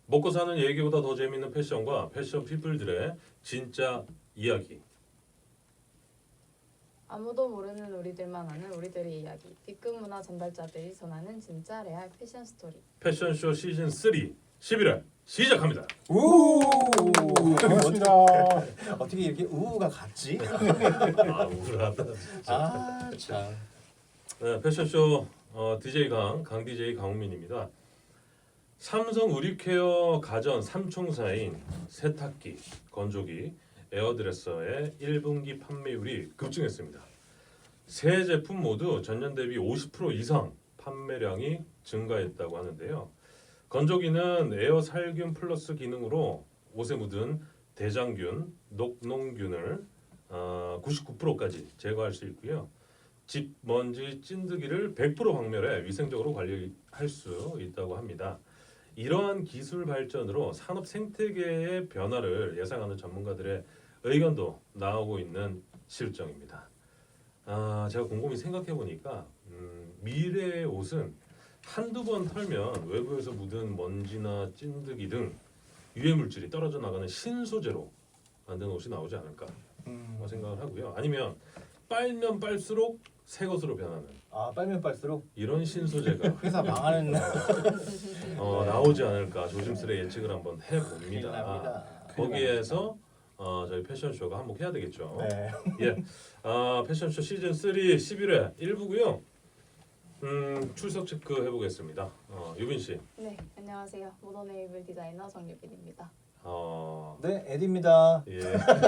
먹고 사는 얘기보다 더 재미있는 패션과 패션 피플들의 진짜 이야기. 아무도 모르는 우리들만 아는 우리들의 이야기. B급 문화 전달자들이 전하는 진짜 레알 패션 스토리. 패션쇼 시즌 3 11월 시작합니다. 우 반갑습니다. 어떻게 이렇게 우가 같지? 아 우울하다. 아 참. 네, 패션쇼 DJ 강 DJ 강우민입니다. 삼성 우리케어 가전 3총사인 세탁기, 건조기, 에어드레서의 1분기 판매율이 급증했습니다. 세 제품 모두 전년 대비 50% 이상 판매량이 증가했다고 하는데요. 건조기는 에어 살균 플러스 기능으로 옷에 묻은 대장균, 녹농균을 99%까지 제거할 수 있고요. 집 먼지 찐드기를 100% 박멸해 위생적으로 관리할 수 있다고 합니다. 이러한 기술 발전으로 산업 생태계의 변화를 예상하는 전문가들의 의견도 나오고 있는 실정입니다. 제가 곰곰이 생각해 보니까 미래의 옷은 한두 번 털면 외부에서 묻은 먼지나 찐드기 등 유해 물질이 떨어져 나가는 신소재로 만든 옷이 나오지 않을까 생각을 하고요. 아니면 빨면 빨수록 새 것으로 변하는 빨면 빨수록 이런 신소재가 회사 망하는 나오지 않을까 조심스레 예측을 한번 큰일 해봅니다. 납니다. 거기에서 저희 패션쇼가 한몫해야 되겠죠. 네. 예, 패션쇼 시즌 3 11회 1부고요. 출석 체크 해보겠습니다. 유빈 씨. 네, 안녕하세요. 모던 웨이블 디자이너 정유빈입니다. 네, 에디입니다. 예.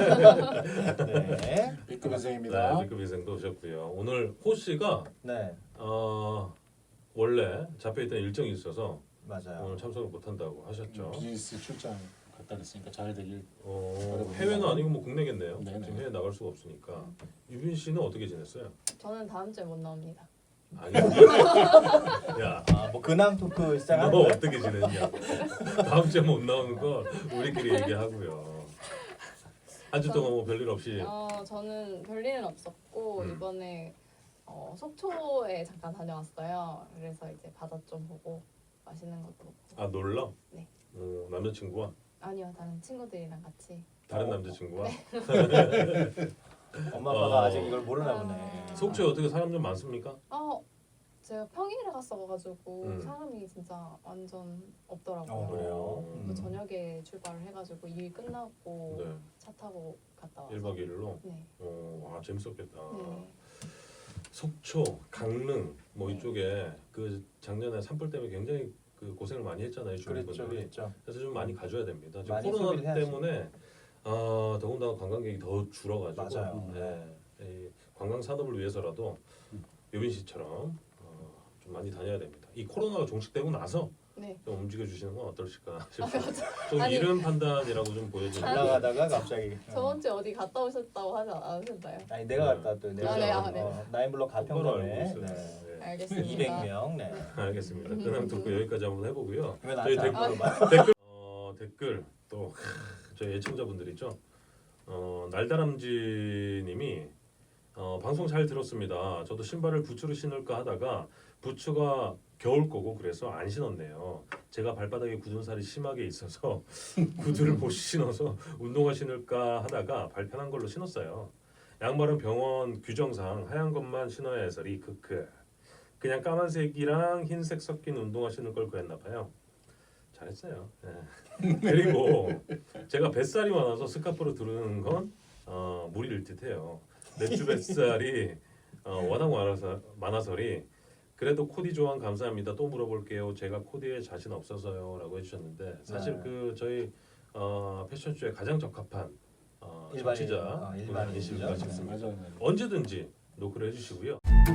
네. B급 인생입니다. 네, B급 인생도 오셨고요. 오늘 호 씨가 네, 원래 잡혀있던 일정이 있어서 맞아요. 오늘 참석을 못한다고 하셨죠. 비즈니스 출장 갔다 그랬으니까 잘 되길. 해외는 아니고 뭐 국내겠네요. 네네. 지금 해외 나갈 수가 없으니까. 유빈 씨는 어떻게 지냈어요? 저는 다음 주에 못 나옵니다. 아니, 야, 뭐 근황 토크 시작하는 너 거예요? 어떻게 지냈냐? 다음 주에 못 나오는 거 우리끼리 얘기하고요. 한 주 동안 뭐 별일 없이. 저는 별일은 없었고 이번에 속초에 잠깐 다녀왔어요. 그래서 이제 바다 좀 보고 맛있는 것도 먹고. 놀러? 네. 남자친구와? 아니요, 다른 친구들이랑 같이. 다른 남자친구와? 엄마 아빠가 아직 이걸 모르나 보네. 속초에 어떻게 사람 좀 많습니까? 제가 평일에 갔어가지고 음. 사람이 진짜 완전 없더라고요. 그래요? 또 저녁에 출발을 해가지고 일 끝나고 네. 차 타고 갔다 와서. 1박 2일로? 네. 재밌었겠다. 네. 속초, 강릉 뭐 이쪽에 그 작년에 산불 때문에 굉장히 그 고생을 많이 했잖아요, 그랬죠, 주민분들이. 그랬죠. 그래서 좀 많이 가줘야 됩니다. 지금 많이 코로나 소비를 해야지. 때문에 더군다나 관광객이 더 줄어가지고 맞아요. 이 관광 산업을 위해서라도 유빈 씨처럼 좀 많이 다녀야 됩니다. 이 코로나가 종식되고 나서 네. 좀 움직여 주시는 건 어떨까 싶어요. 좀 아니. 이른 판단이라고 좀 보여지는. 아니. 올라가다가 갑자기. 저번 주에 어디 갔다 오셨다고 하지 않으셨나요? 아니 내가 갔다 또 내가 네. 나인블럭 똑바로 알고 가평점에 있어요. 네. 네. 알겠습니다. 200명. 네. 알겠습니다. 근황 듣고 여기까지 한번 해보고요. 왜 저희 나한테 안 물어봐? 댓글 또 저희 애청자분들 있죠. 날다람쥐님이 방송 잘 들었습니다. 저도 신발을 부츠로 신을까 하다가 부츠가 겨울 거고 그래서 안 신었네요. 제가 발바닥에 굳은 살이 심하게 있어서 구두를 못 신어서 운동화 신을까 하다가 발편한 걸로 신었어요. 양말은 병원 규정상 하얀 것만 신어야 해서리 크크. 그냥 까만색이랑 흰색 섞인 운동화 신을 걸 그랬나 봐요. 잘했어요. 예. 그리고 제가 뱃살이 많아서 스카프로 두르는 건 무리일 듯해요. 맥주 뱃살이 워낙 많아서리 그래도 코디 조언 감사합니다. 또 물어볼게요. 제가 코디에 자신 없어서요라고 해주셨는데 사실 네. 그 저희 패션쇼에 가장 적합한 일반인, 정치자 일반인이죠. 분이실까 싶습니다. 맞아요. 언제든지 노크를 해주시고요.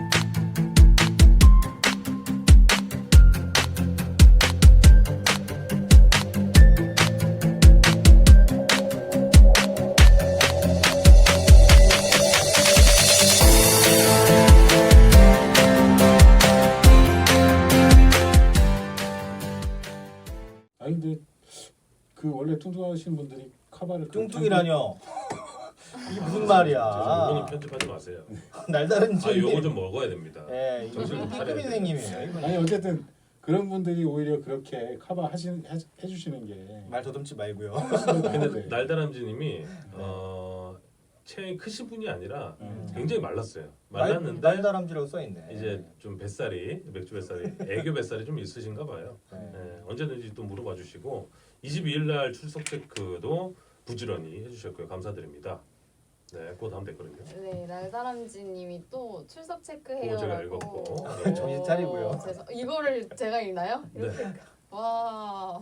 아니 근데 그 원래 뚱뚱하신 분들이 카바를 뚱뚱이라뇨. 이게 무슨 이거는 말이야? 편집하지 마세요. 날다른 요거 좀 먹어야 됩니다. 예, 정신 좀 이거 차려야 B급 인생님이에요. 이분이. 아니 어쨌든 그런 분들이 오히려 그렇게 커버 해주시는 게 말 더듬지 말고요. 근데 날다람쥐님이 체형이 크신 분이 아니라 굉장히 말랐어요. 말랐는데 날다람쥐라고 써 있네. 이제 좀 뱃살이 맥주 뱃살이 애교 뱃살이 좀 있으신가 봐요. 네. 네, 언제든지 또 물어봐 주시고 22일 날 출석 체크도 부지런히 해주셨고요. 감사드립니다. 네, 곧 하면 됐거든요. 네, 날다람쥐님이 또 출석 그거 체크해요라고. 제가 읽었고. 네, 정신 차리고요. 이거를 제가 읽나요? 네. 와,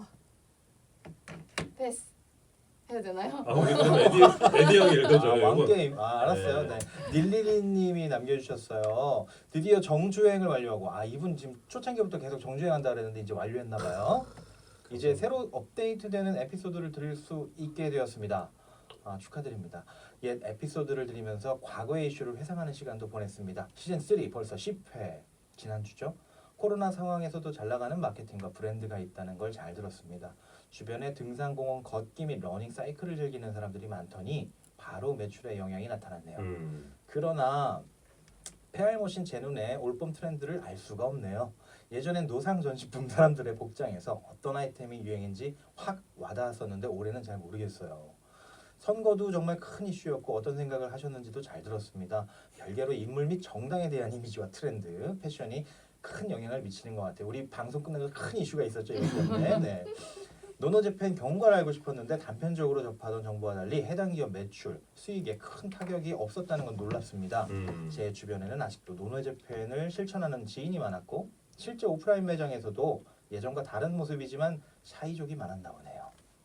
패스 해야 되나요? 아, 우리 그럼 에디 형이 읽어줘요. 이거. 왕게임. 알았어요. 네. 네. 닐리리님이 남겨주셨어요. 드디어 정주행을 완료하고 이분 지금 초창기부터 계속 정주행한다 그랬는데 이제 완료했나 봐요. 이제 새로 업데이트되는 에피소드를 들을 수 있게 되었습니다. 축하드립니다. 옛 에피소드를 들으면서 과거의 이슈를 회상하는 시간도 보냈습니다. 시즌 3 벌써 10회 지난주죠. 코로나 상황에서도 잘 나가는 마케팅과 브랜드가 있다는 걸 잘 들었습니다. 주변에 등산공원 걷기 및 러닝 사이클을 즐기는 사람들이 많더니 바로 매출에 영향이 나타났네요. 그러나 페알못인 제 눈에 올봄 트렌드를 알 수가 없네요. 예전엔 노상 전시 붐 사람들의 복장에서 어떤 아이템이 유행인지 확 와닿았었는데 올해는 잘 모르겠어요. 선거도 정말 큰 이슈였고 어떤 생각을 하셨는지도 잘 들었습니다. 별개로 인물 및 정당에 대한 이미지와 트렌드, 패션이 큰 영향을 미치는 것 같아요. 우리 방송 끝나고 큰 이슈가 있었죠. 이것 때문에. 네. 노노재팬 경과를 알고 싶었는데 단편적으로 접하던 정보와 달리 해당 기업 매출, 수익에 큰 타격이 없었다는 건 놀랍습니다. 제 주변에는 아직도 노노재팬을 실천하는 지인이 많았고 실제 오프라인 매장에서도 예전과 다른 모습이지만 샤이족이 많았나 보네요.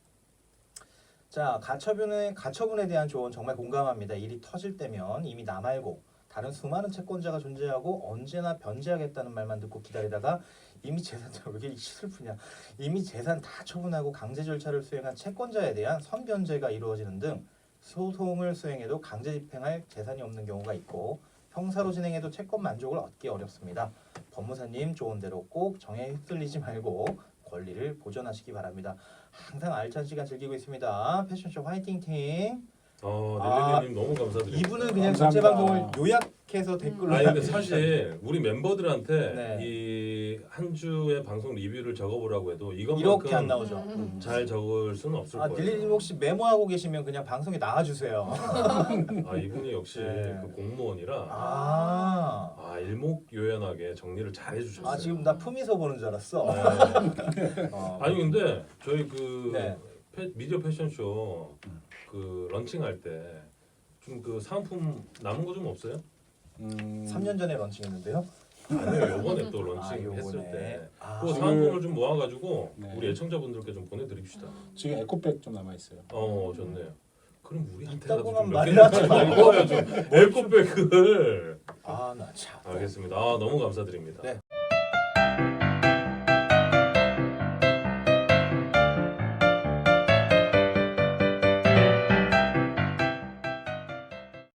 자, 가처분에 대한 조언 정말 공감합니다. 일이 터질 때면 이미 나 말고 다른 수많은 채권자가 존재하고 언제나 변제하겠다는 말만 듣고 기다리다가 이미 재산 왜 이렇게 슬프냐? 이미 재산 다 처분하고 강제 절차를 수행한 채권자에 대한 선변제가 이루어지는 등 소송을 수행해도 강제 집행할 재산이 없는 경우가 있고 형사로 진행해도 채권 만족을 얻기 어렵습니다. 법무사님 좋은 대로 꼭 정에 휩쓸리지 말고 권리를 보존하시기 바랍니다. 항상 알찬 시간 즐기고 있습니다. 패션쇼 화이팅 팀. 릴리님 너무 감사드립니다. 이분은 그냥 감사합니다. 전체 방송을 요약해서 댓글로 아니 근데 사실 우리 멤버들한테 네. 이 한 주의 방송 리뷰를 적어보라고 해도 이렇게 안 이것만큼 나오죠. 잘 적을 수는 없을 거예요. 닐리님 혹시 메모하고 계시면 그냥 방송에 나와주세요. 이분이 역시 네. 그 공무원이라 아, 일목요연하게 정리를 잘 해주셨어요. 지금 나 품위서 보는 줄 알았어. 네. 어. 아니 근데 저희 그 네. 미디어 패션쇼 그 런칭할 때 좀 그 사은품 남은 거 좀 없어요? 3년 전에 런칭했는데요. 아니요, 요번에 또 요번에. 런칭했을 때 아, 그 사은품을 좀 모아가지고 네. 우리 애청자분들께 좀 보내드립시다. 지금 에코백 좀 남아 있어요. 좋네요. 그럼 우리한테 있다고만 몇개 말하지 말고. 거야 좀 에코백을. 나 참. 알겠습니다. 너무 감사드립니다. 네.